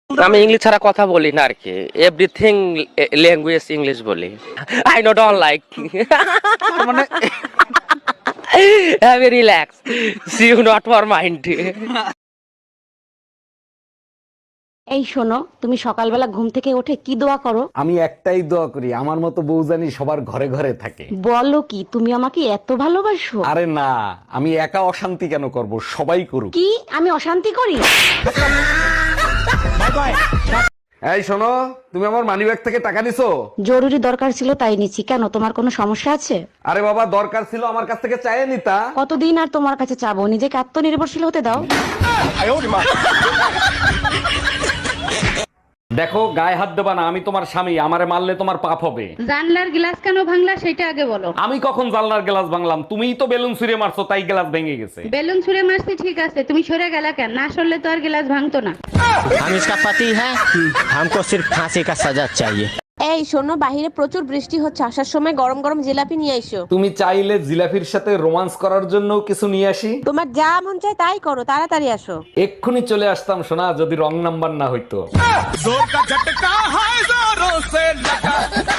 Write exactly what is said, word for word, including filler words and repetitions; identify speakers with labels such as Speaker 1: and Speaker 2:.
Speaker 1: আমি ইংলিশ ছাড়া কথা বলি না আর কি, এভরিথিং ল্যাঙ্গুয়েজ ইংলিশ বলি। আই নো ডোন্ট লাইক
Speaker 2: মানে
Speaker 1: have a relax, see you not for mind.
Speaker 3: এই শোনো, তুমি সকালবেলা ঘুম থেকে উঠে কি দোয়া করো?
Speaker 4: আমি একটাই দোয়া করি, আমার মতো বউ জানি সবার ঘরে ঘরে থাকে।
Speaker 3: বলো কি, তুমি আমাকে এত ভালোবাসো?
Speaker 4: আরে না, আমি একা অশান্তি কেন করব, সবাই করুক।
Speaker 3: কি আমি অশান্তি করি?
Speaker 4: এই শোনো, তুমি আমার মানিব্যাগ থেকে টাকা নিছো?
Speaker 3: জরুরি দরকার ছিল তাই নিচ্ছি। কেন, তোমার কোনো সমস্যা আছে?
Speaker 4: আরে বাবা, দরকার ছিল আমার কাছ থেকে চাইয়ে নিতা।
Speaker 3: কতদিন আর তোমার কাছে চাবো? নিজেকে আত্মনির্ভরশীল হতে দাও।
Speaker 4: দেখো, গায়ে হাত দেবা না, আমি তোমার স্বামী, আমারে মারলে তোমার পাপ হবে।
Speaker 5: জানলার গ্লাস কেন ভাঙলা সেটা আগে বলো।
Speaker 4: আমি কখন জানলার গ্লাস ভাঙলাম? তুমিই তো বেলুন ছুঁড়ে মারছো, তাই গ্লাস ভেঙে গেছে।
Speaker 5: বেলুন ছুঁড়ে মারছি ঠিক আছে, তুমি সরে গেলা কেন? না সরলে তো আর গ্লাস ভাঙতো না।
Speaker 6: हम इसका पति है, हमको सिर्फ फांसी का सजा चाहिए।
Speaker 7: এই শোনো, বাহিরে প্রচুর বৃষ্টি হচ্ছে, আসার সময় গরম গরম জিলাপি নিয়ে আইসো।
Speaker 4: তুমি চাইলে জিলাফির সাথে রোমান্স করার জন্য কিছু নিয়ে আসি।
Speaker 7: তোমার যা মন চায় তাই করো, তাড়াতাড়ি আসো।
Speaker 4: এক্ষুনি চলে আসতাম সোনা, যদি রং নাম্বার না হইতো।